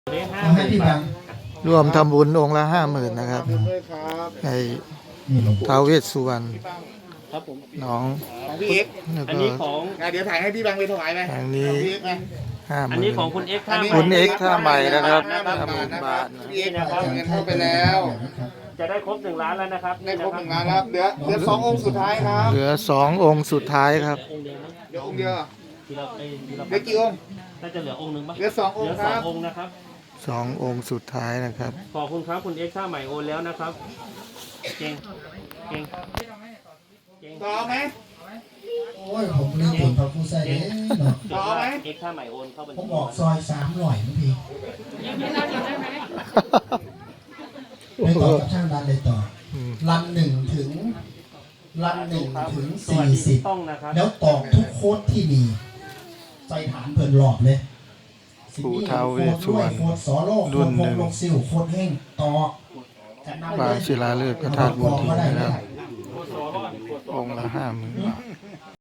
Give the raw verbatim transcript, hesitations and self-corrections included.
ให้พี่บังรวมทำบุญองค์ละห้าหมื่นนะครับให้ท้าวเวสสุวรรณครับผมน้องของพี่เอ็กซ์แล้วอันก็นี้ของอ่ะเดี๋ยวถ่ายให้พี่บังไปถวายไหมทางนี้พี่เอ็กซ์ไหมห้าหอันมื่นี้นของคุณเอ็กซ์ท่าคุณเอ็กซ์ท่าใหม่นะครับห้าหมื่นห้าหมื่นบาบาททนะนะพี่เอ็กซ์เอาเงินเข้าไปแล้วจะได้ครบหนึ่งล้านแล้วนะครับได้ครบหนึ่งล้านแล้วเหลือเหลือสององค์สุดท้ายครับเหลือสององค์สุดท้ายครับองค์เดียวนะเดี๋ยวองค์เดียวทีละเอ้ยทีละเหลือกี่องค์น่าจะเหลือองค์หนึ่งปะเหลือสององค์เหลือคสรัองบองค์นะครับสององค์สุดท้ายนะครับขอบคุณครับคุณเอ็กซ์ท่าใหม่โอนแล้วนะครับเก่งเก่งเก่งต่อไหมโอ้ยผมลืมผลพระผู้ใส่เด้เนาะเก่งมากเอ็กซ์ท่าใหม่โอนเข้าบัญผมชีบอกซอยสามร้อยมั้งพี่ไปต่อกับช่างดันเลยต่ออมรันหนึ่งถึงรันหนึ่งถึงสวัสี่สดีสิบต้องนะครับแล้วตอกทุกโค้ดที่มีใส่ฐานเพิ่นหลอกเลยปู่ท้าวเวสสุวรรณโค้ดสอโลกรุ่โค้นดหวนึ่งงลงซิลโค้ดเฮ่งตอกจะนำปางศิลาฤกษ์พระธาตุบุญทีนะครับ องค์ละห้าหมื่นบาท